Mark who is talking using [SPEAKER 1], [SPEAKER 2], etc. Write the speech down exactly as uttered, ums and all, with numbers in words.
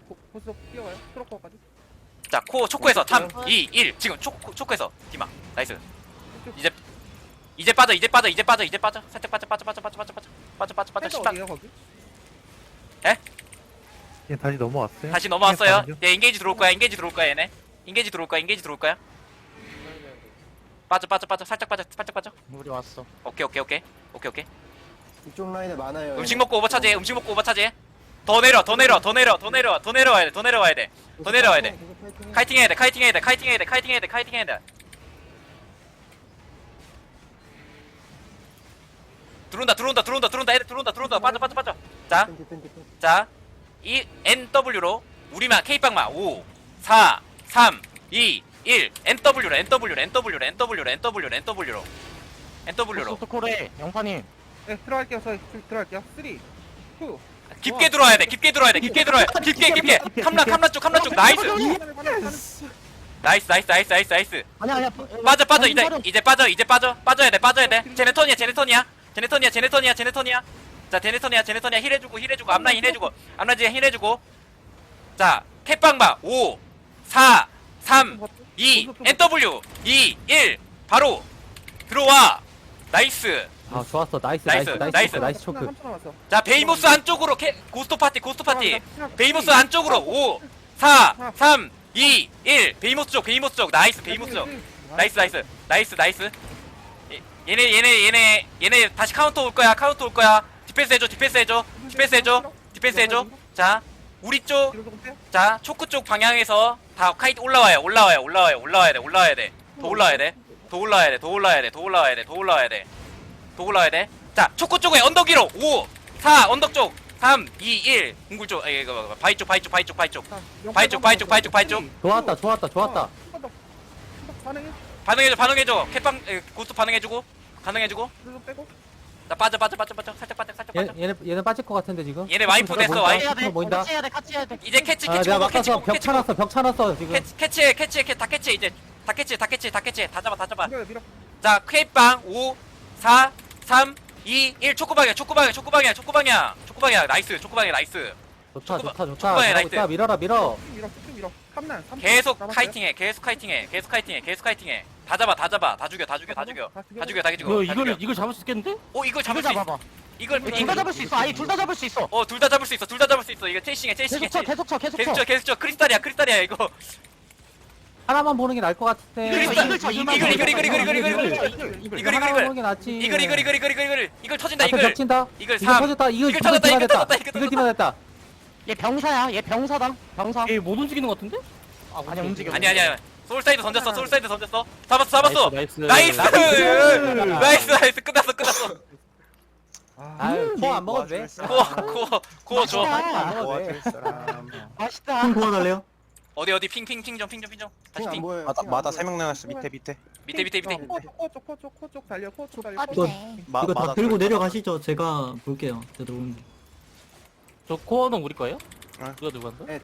[SPEAKER 1] 고- 고스 뛰어가요. 트로커까지.
[SPEAKER 2] 자, 코 초코에서 삼, 이, 일. 지금 초코 초코에서 디마. 나이스. 이제 이제 빠져, 이제 빠져, 이제 빠져, 이제 빠져. 살짝 빠져, 빠져, 빠져, 빠져, 빠져, 빠져, 빠져, 빠져, 빠져.
[SPEAKER 1] 펜더
[SPEAKER 2] 십팔.
[SPEAKER 1] 어디에요 거기?
[SPEAKER 3] 얘 다시 넘어왔어요?
[SPEAKER 2] 다시 넘어왔어요.
[SPEAKER 3] 네,
[SPEAKER 2] 얘 인게이지 들어올 거야, 인게이지 들어올 거야, 얘네. 인게이지 들어올 거야, 인게이지 들어올 거야. 빠져, 빠져, 빠져, 살짝 빠져, 살짝 빠져.
[SPEAKER 4] 우리 왔어.
[SPEAKER 2] 오케이, 오케이, 오케이, 오케이, 오케이.
[SPEAKER 5] 이쪽 라인에 많아요.
[SPEAKER 2] 음식 먹고 오버 차지해, 음식 먹고 오버 차지해. 더 내려, 더 내려, 더 내려, 더 내려, 더 내려와야 돼, 더 내려와야 돼. 더 내려와야 돼. 카이팅 해야 돼, 카이팅 해야 돼, 카이팅 해야 돼, 카이팅 해야 돼, 카이팅 해야 돼. 들어온다, 들어온다, 들어온다, 들어온다, 애들 들어온다, 들어온다. 빠져, 빠져, 빠져. 자, 자, 이 엔더블유로 우리만 K빵만 오, 사, 삼, 이, 일. 엔더블유로, 엔더블유로, 엔더블유로, 엔더블유로, 엔더블유로, 엔더블유로, 엔더블유로.
[SPEAKER 4] 소토코레 영파님.
[SPEAKER 1] 네 들어갈게요. 저 들어갈게요. 쓰리, 투.
[SPEAKER 2] 깊게 들어와야 돼, 깊게 들어와야 돼, 깊게 들어와야 돼. 깊게, 깊게. 캄라, 캄라 쪽, 캄라 쪽. 나이스. 나이스, 나이스, 나이스, 나이스, 나이스.
[SPEAKER 4] 아니야 아니야.
[SPEAKER 2] 빠져, 빠져. 이제, 이제 빠져, 이제 빠져. 빠져야 돼, 빠져야 돼. 제네톤이야, 제네톤이야. 제네톤이야, 제네톤이야, 제네톤이야. 자, 제네톤이야, 제네톤이야. 힐해주고, 힐해주고, 앞라인 힐해주고, 앞라인 힐해주고. 자, 캣빵바 오, 사, 삼, 이, 엔더블유, 이, 일. 바로 들어와. 나이스.
[SPEAKER 6] 아 좋았어 나이스
[SPEAKER 2] 나이스,
[SPEAKER 6] 나이스 나이스
[SPEAKER 2] 나이스.
[SPEAKER 6] 초크, 나이스 초크.
[SPEAKER 1] 삼 초 남았어.
[SPEAKER 2] 자, 베이모스 안쪽으로 캐, 고스트 파티, 고스트 파티. 베이모스 안쪽으로 오, 사, 삼, 이, 일. 베이모스 쪽, 베이모스 쪽. 나이스, 베이모스 쪽. 나이스, 나이스, 나이스, 나이스. 얘- 얘네, 얘네, 얘네, 얘네 다시 카운터 올 거야, 카운터 올 거야. 디펜스 해줘, 디펜스 해줘, 디펜스 해줘, 디펜스 해줘. 자, 우리 쪽,
[SPEAKER 1] 뒤로 조금 빼요.
[SPEAKER 2] 자, 초크 쪽 방향에서 다 카이트 올라와요, 올라와요, 올라와요, 올라와야 돼, 올라와야 돼. 더 올라와야 돼, 더 올라와야 돼, 더 올라와야 돼, 더 올라와야 돼, 더 올라와야 돼. 더 올라와야 돼. 자, 초코 쪽에 언덕 위로 오, 사, 언덕 쪽 삼, 이, 일. 궁굴 쪽, 에이, 이거 바위 쪽, 바위 쪽, 바위 쪽, 바위 쪽.
[SPEAKER 1] 자,
[SPEAKER 2] 바위 쪽, 바위 쪽, 바위 쪽, 바위 쪽.
[SPEAKER 6] 좋았다 좋았다 좋았다.
[SPEAKER 1] 어, 한번 더. 한번 더 반응해.
[SPEAKER 2] 반응해줘, 반응해줘. 캣빵, 에, 고스트 반응해주고, 반응해주고.
[SPEAKER 1] 뒤로 좀 빼고.
[SPEAKER 2] 나 빠져, 빠져, 빠져, 빠져. 살짝 빠져, 살짝
[SPEAKER 6] 얘
[SPEAKER 2] 빠져.
[SPEAKER 6] 얘네 얘네 빠질 것 같은데 지금.
[SPEAKER 2] 얘네 와이프 됐어,
[SPEAKER 6] 보인다,
[SPEAKER 2] 와이프.
[SPEAKER 4] 해야 돼.
[SPEAKER 6] 보인다.
[SPEAKER 4] 같이 해야 돼. 같이 해야 돼.
[SPEAKER 2] 이제 캐치,
[SPEAKER 6] 아
[SPEAKER 2] 캐치,
[SPEAKER 6] 내가
[SPEAKER 2] 보고, 캐치,
[SPEAKER 6] 막아서
[SPEAKER 2] 보고,
[SPEAKER 6] 벽
[SPEAKER 2] 캐치, 보고.
[SPEAKER 6] 쳐놨어 벽 쳐놨어 지금.
[SPEAKER 2] 캐치, 캐치해, 캐치해, 캐- 다 캐치 이제. 다 캐치, 다 캐치, 다 캐치. 다 잡아, 다 잡아.
[SPEAKER 1] 밀어요 밀어.
[SPEAKER 2] 자, 퀘이빵 오, 사, 삼, 이, 일. 초코방이야, 초코방이야, 초코방이야, 초코방이야. 초코방이야. 나이스, 초코방이야, 나이스.
[SPEAKER 6] 좋다
[SPEAKER 2] 초코바-
[SPEAKER 6] 좋다 좋다.
[SPEAKER 2] 초코바에
[SPEAKER 6] 잘하고
[SPEAKER 2] 나이스.
[SPEAKER 6] 있다. 밀어라 밀어.
[SPEAKER 1] 쭉 밀어 쭉 밀어. 탐난. 삼 초
[SPEAKER 2] 계속
[SPEAKER 1] 남았어요.
[SPEAKER 2] 카이팅해, 계속 카이팅해, 계속 카이팅해, 계속 카이팅해. 다 잡아, 다 잡아, 다 죽여, 다 죽여, 다 죽여,
[SPEAKER 1] 다 죽여.
[SPEAKER 2] 다 죽여, 다 죽여.
[SPEAKER 4] 이거
[SPEAKER 2] 다
[SPEAKER 4] 이걸
[SPEAKER 2] 죽여.
[SPEAKER 4] 이걸 잡을 수 있겠는데?
[SPEAKER 2] 어, 이걸 잡을
[SPEAKER 4] 이걸
[SPEAKER 2] 수 있어.
[SPEAKER 4] 잡아봐.
[SPEAKER 2] 이걸
[SPEAKER 1] 둘
[SPEAKER 4] 둘 다 잡을 수 있어. 아니 둘 다 잡을 수 있어.
[SPEAKER 2] 어, 둘 다 잡을 수 있어, 둘 다 잡을 수 있어. 이거 체이싱해, 체이싱해.
[SPEAKER 4] 계속 쳐 계속 쳐 계속
[SPEAKER 2] 계속
[SPEAKER 4] 쳐.
[SPEAKER 2] 쳐, 계속 쳐. 크리스탈이야, 크리스탈이야 이거.
[SPEAKER 6] 하나만 보는 게 나을 것 같은데.
[SPEAKER 2] 이글, 이글 쳐, 이글, 이글, 이글, 이글, 이글, 이글, 이글.
[SPEAKER 1] 이글.
[SPEAKER 2] 이글,
[SPEAKER 6] 하나만
[SPEAKER 2] 이글,
[SPEAKER 6] 보는 게 낫지.
[SPEAKER 2] 이글, 이글, 이글, 이글, 이글, 이글. 이걸 터진다,
[SPEAKER 6] 앞에
[SPEAKER 2] 이글.
[SPEAKER 6] 벽 친다.
[SPEAKER 2] 이글
[SPEAKER 6] 이거
[SPEAKER 2] 삼.
[SPEAKER 6] 터졌다. 이거
[SPEAKER 2] 이글
[SPEAKER 6] 이거
[SPEAKER 2] 터졌다, 이글
[SPEAKER 6] 디마됐다.
[SPEAKER 2] 터졌다, 이글
[SPEAKER 6] 이거
[SPEAKER 2] 터졌다.
[SPEAKER 6] 디마됐다.
[SPEAKER 4] 얘 병사야. 얘 병사다. 병사.
[SPEAKER 7] 얘 못 움직이는 것 같은데?
[SPEAKER 4] 아니 움직여.
[SPEAKER 2] 아니, 아니, 아니. 소울사이드 던졌어, 소울사이드 던졌어. 잡았어, 잡았어.
[SPEAKER 7] 나이스
[SPEAKER 2] 나이스, 나이스, 나이스. 끝났어, 끝났어.
[SPEAKER 6] 아유 코안 먹어도 돼.
[SPEAKER 2] 고어, 고어, 고어 줘.
[SPEAKER 4] 맛있다.
[SPEAKER 6] 안 먹어도 돼.
[SPEAKER 4] 맛있다.
[SPEAKER 5] 도와달래요?
[SPEAKER 2] 어디, 어디, 핑, 핑, 핑 좀, 핑 좀, 핑 좀. 다시
[SPEAKER 5] 안
[SPEAKER 2] 핑.
[SPEAKER 5] 보여요.
[SPEAKER 8] 마다
[SPEAKER 5] 핑안
[SPEAKER 8] 마다
[SPEAKER 5] 보여요.
[SPEAKER 8] 세 명 나갔어 밑에 밑에
[SPEAKER 2] 밑에, 밑에, 밑에.
[SPEAKER 1] 코쪽 코쪽 코쪽 달려 코쪽 달려.
[SPEAKER 4] 아,
[SPEAKER 1] 코쪽.
[SPEAKER 4] 네.
[SPEAKER 8] 마,
[SPEAKER 9] 이거 다
[SPEAKER 8] 마다
[SPEAKER 9] 들고
[SPEAKER 8] 둘.
[SPEAKER 9] 내려가시죠. 제가 볼게요. 제가 들어오는데.
[SPEAKER 7] 저 코어는 우리 거예요?
[SPEAKER 8] 응.
[SPEAKER 7] 누가 누구 한다?